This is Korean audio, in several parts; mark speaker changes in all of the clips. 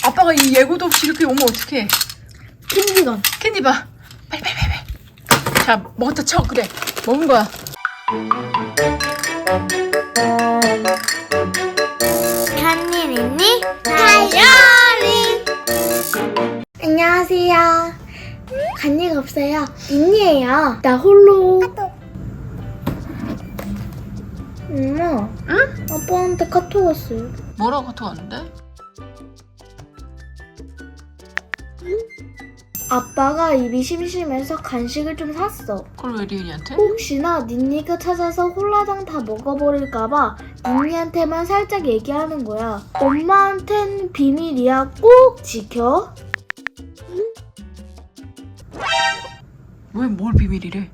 Speaker 1: 아빠가 이 예고도 없이 이렇게 오면 어떡해.
Speaker 2: 캔디건.
Speaker 1: 캔디 봐. 빨리. 자, 먹었다 쳐. 그래. 먹은 거야.
Speaker 2: 간일 있니? 다이어리. 안녕하세요. 간일 없어요. 있니예요. 나 홀로. 엄마.
Speaker 1: 응?
Speaker 2: 아빠한테 카톡 왔어요.
Speaker 1: 뭐라고 카톡 왔는데?
Speaker 2: 아빠가 입이 심심해서 간식을 좀 샀어.
Speaker 1: 그걸 왜 리은이한테?
Speaker 2: 혹시나 닌니가 찾아서 홀라당 다 먹어버릴까봐 닌니한테만 살짝 얘기하는 거야. 엄마한텐 비밀이야. 꼭 지켜.
Speaker 1: 왜 뭘 비밀이래?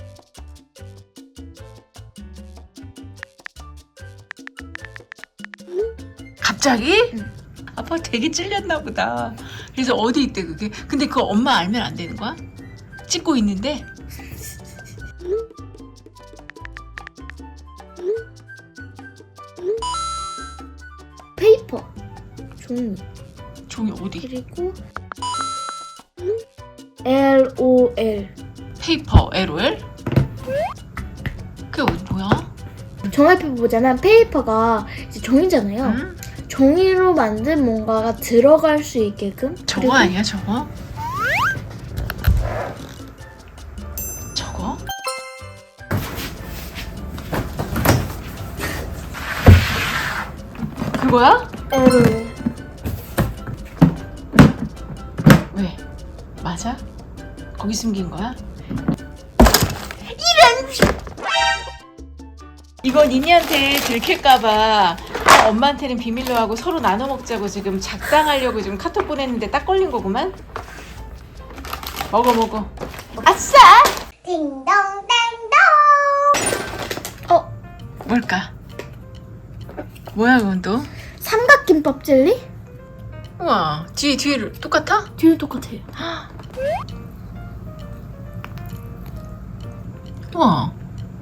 Speaker 1: 갑자기?
Speaker 2: 응.
Speaker 1: 아빠 되게 찔렸나 보다. 그래서 어디 있대 그게? 근데 그거 엄마 알면 안 되는 거야? 찍고 있는데?
Speaker 2: 페이퍼. 종이.
Speaker 1: 종이 어디?
Speaker 2: 그리고 LOL.
Speaker 1: 페이퍼 LOL? 그게 뭐야?
Speaker 2: 종이페이퍼보다는 페이퍼가 이제 종이잖아요.
Speaker 1: 응?
Speaker 2: 종이로 만든 뭔가가 들어갈 수 있게끔.
Speaker 1: 저거
Speaker 2: 그리고
Speaker 1: 아니야 저거? 저거? 그거야?
Speaker 2: LOL.
Speaker 1: 왜? 맞아? 거기 숨긴 거야? 이거 니니한테 들킬까봐 엄마한테는 비밀로 하고 서로 나눠 먹자고 지금 작당하려고 지금 카톡 보냈는데 딱 걸린 거구만? 먹어. 아싸!
Speaker 2: 딩동댕동.
Speaker 1: 뭘까? 뭐야 그건 또?
Speaker 2: 삼각김밥 젤리?
Speaker 1: 우와 뒤를 똑같아?
Speaker 2: 뒤는 똑같아요.
Speaker 1: 우와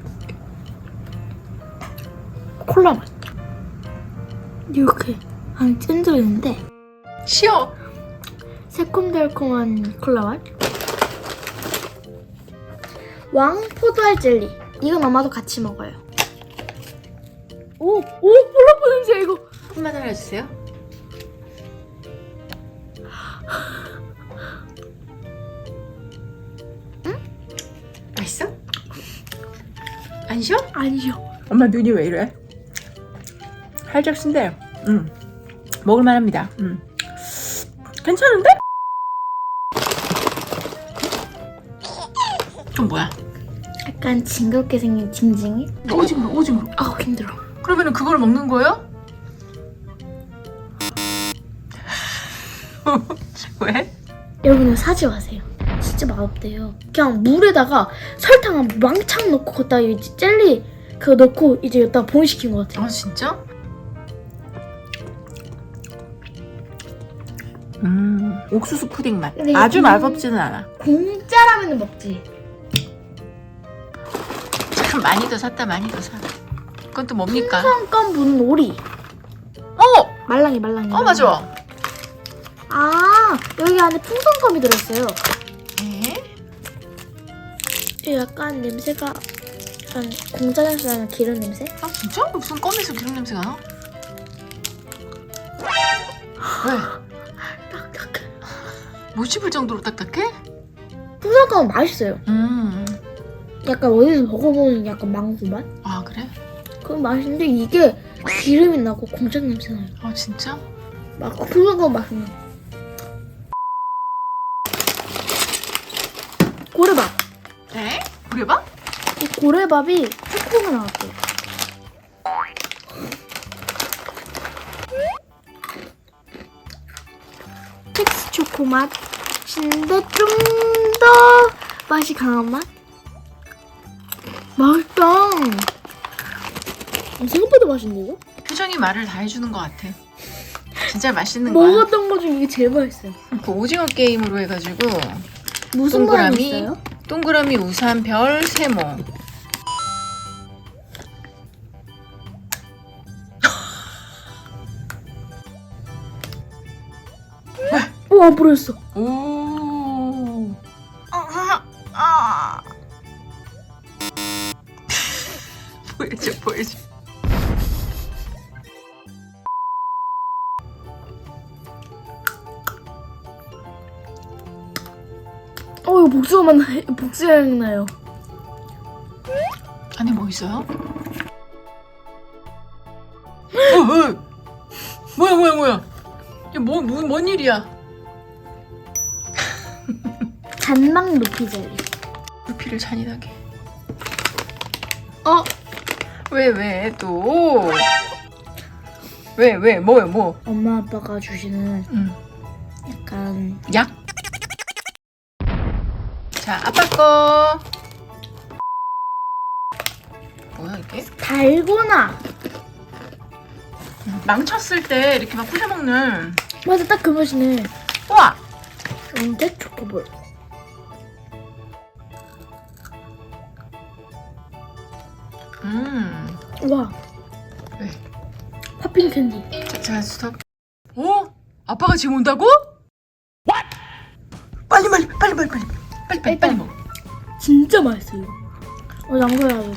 Speaker 2: 콜라 맛. 이렇게 안에 찐 들어있는데
Speaker 1: 쉬어
Speaker 2: 새콤달콤한 콜라 맛. 왕포도알 젤리. 이건 아마도 같이 먹어요. 오, 콜라포 냄새 이거.
Speaker 1: 한번 알려주세요. 응? 맛있어? 안 쉬어?
Speaker 2: 아니요.
Speaker 1: 엄마 눈이 왜 이래? 살짝 쓴데 먹을만합니다. 괜찮은데? 좀 뭐야?
Speaker 2: 약간 징그럽게 생긴 징징이?
Speaker 1: 오징어.
Speaker 2: 아우 힘들어.
Speaker 1: 그러면은 그걸 먹는 거예요? 왜?
Speaker 2: 여러분은 사지 마세요. 진짜 맛없대요. 그냥 물에다가 설탕 왕창 넣고 거기다 이 젤리 그거 넣고 이제 여기다 봉시킨 것 같아요.
Speaker 1: 아 진짜? 옥수수 푸딩 맛.
Speaker 2: 근데
Speaker 1: 아주
Speaker 2: 이거
Speaker 1: 맛없지는 않아.
Speaker 2: 공짜라면 먹지.
Speaker 1: 참 많이 더 샀다 많이 더 사. 그건 또 뭡니까?
Speaker 2: 풍선껌 분 오리. 말랑이.
Speaker 1: 맞아.
Speaker 2: 아 여기 안에 풍선껌이 들었어요.
Speaker 1: 에?
Speaker 2: 이 약간 냄새가 약간 공짜 냄새 나는 기름 냄새?
Speaker 1: 아 진짜? 무슨 껌에서 기름 냄새가 나? 왜?
Speaker 2: 딱딱해.
Speaker 1: 못 씹을 정도로 딱딱해?
Speaker 2: 풍선껌은 맛있어요.
Speaker 1: 약간
Speaker 2: 어디서 먹어보는 약간 망고 맛?
Speaker 1: 아 그래?
Speaker 2: 그건 맛있는데 이게 기름이 나고 공짜 냄새 나요.
Speaker 1: 아 진짜?
Speaker 2: 막 풍선껌 맛있네. 고래밥.
Speaker 1: 에? 그래봐?
Speaker 2: 이 고래밥이 초코가 나왔대요. 텍스 초코 맛인데 좀 더 맛이 강한 맛? 맛있다. 생각보다 맛있네 이거?
Speaker 1: 표정이 말을 다 해주는 것 같아. 진짜 맛있는 거야.
Speaker 2: 먹었던 거 중에 이게 제일 맛있어요.
Speaker 1: 그 오징어 게임으로 해가지고
Speaker 2: 무슨 모양이 있어요?
Speaker 1: 동그라미, 우산, 별, 세모.
Speaker 2: 바로 부러졌어.
Speaker 1: 오. 보여줘, 보여줘.
Speaker 2: 이거 복수가 나요.
Speaker 1: 안에 뭐 있어요? 뭐야? 이게 뭔 일이야?
Speaker 2: 잔망 루피 젤리.
Speaker 1: 루피를 잔인하게.
Speaker 2: 어?
Speaker 1: 왜 또? 왜 뭐?
Speaker 2: 엄마 아빠가 주시는 약간
Speaker 1: 약? 자, 아빠 거. 뭐야 이게?
Speaker 2: 달고나.
Speaker 1: 망쳤을 때 이렇게 막 부셔먹는.
Speaker 2: 맞아, 딱 그 맛이네.
Speaker 1: 우와!
Speaker 2: 언제 초코볼. 와.
Speaker 1: 왜?
Speaker 2: 팝핀 캔디.
Speaker 1: 자, 스톱. 오? 아빠가 지금 온다고? 빨리 먹어.
Speaker 2: 진짜 맛있어요. 양보해야 돼.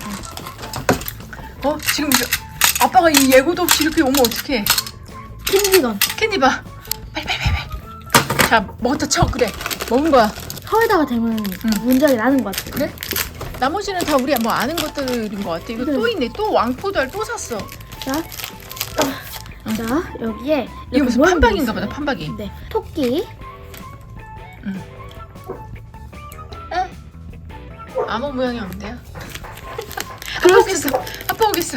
Speaker 1: 지금 아빠가 이 예고도 없이 이렇게 오면 어떡해?
Speaker 2: 캔디건.
Speaker 1: 캔디 봐. 빨리. 자, 먹었다 쳐. 그래. 먹은 거야.
Speaker 2: 혀에다가 대면 문제가 나는 것 같아.
Speaker 1: 그래? 나머지는 다 우리 뭐 아는 것들인 것 같아. 이거
Speaker 2: 네.
Speaker 1: 또 있네. 또 왕포도알 또 샀어.
Speaker 2: 자, 여기에
Speaker 1: 이거 무슨
Speaker 2: 모양이
Speaker 1: 판박인가
Speaker 2: 있어요.
Speaker 1: 보다. 판박이.
Speaker 2: 네, 토끼.
Speaker 1: 아무 모양이 없는데요?
Speaker 2: 그렇지.
Speaker 1: 아빠 오겠어.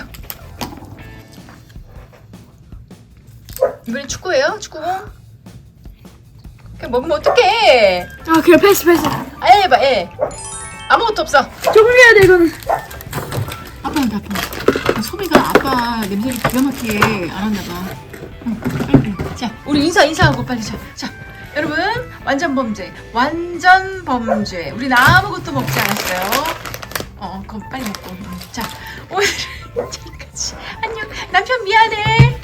Speaker 1: 이번엔 축구예요? 축구공? 그냥 먹으면 어떡해?
Speaker 2: 그래, 패스.
Speaker 1: 아예 해봐, 예. 아무것도 없어.
Speaker 2: 정리해야 돼, 이거는.
Speaker 1: 아빠는 소미가 아빠 냄새를 기가 막히게 알았나봐. 빨리. 자, 우리 인사하고 빨리. 자, 여러분, 완전 범죄. 우리는 아무것도 먹지 않았어요. 그럼 빨리 먹고. 자, 오늘은 여기까지. 안녕. 남편 미안해.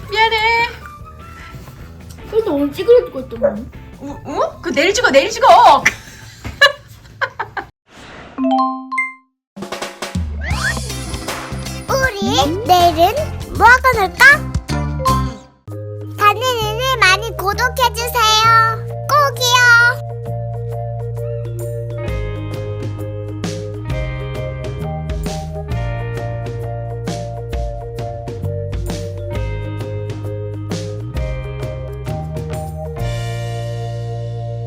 Speaker 2: 그래서 오늘 찌그러질 거 있더만.
Speaker 1: 그거 내일 찍어.
Speaker 3: 우리 내일은 뭐 하고 놀까? 다니는 일 많이 구독해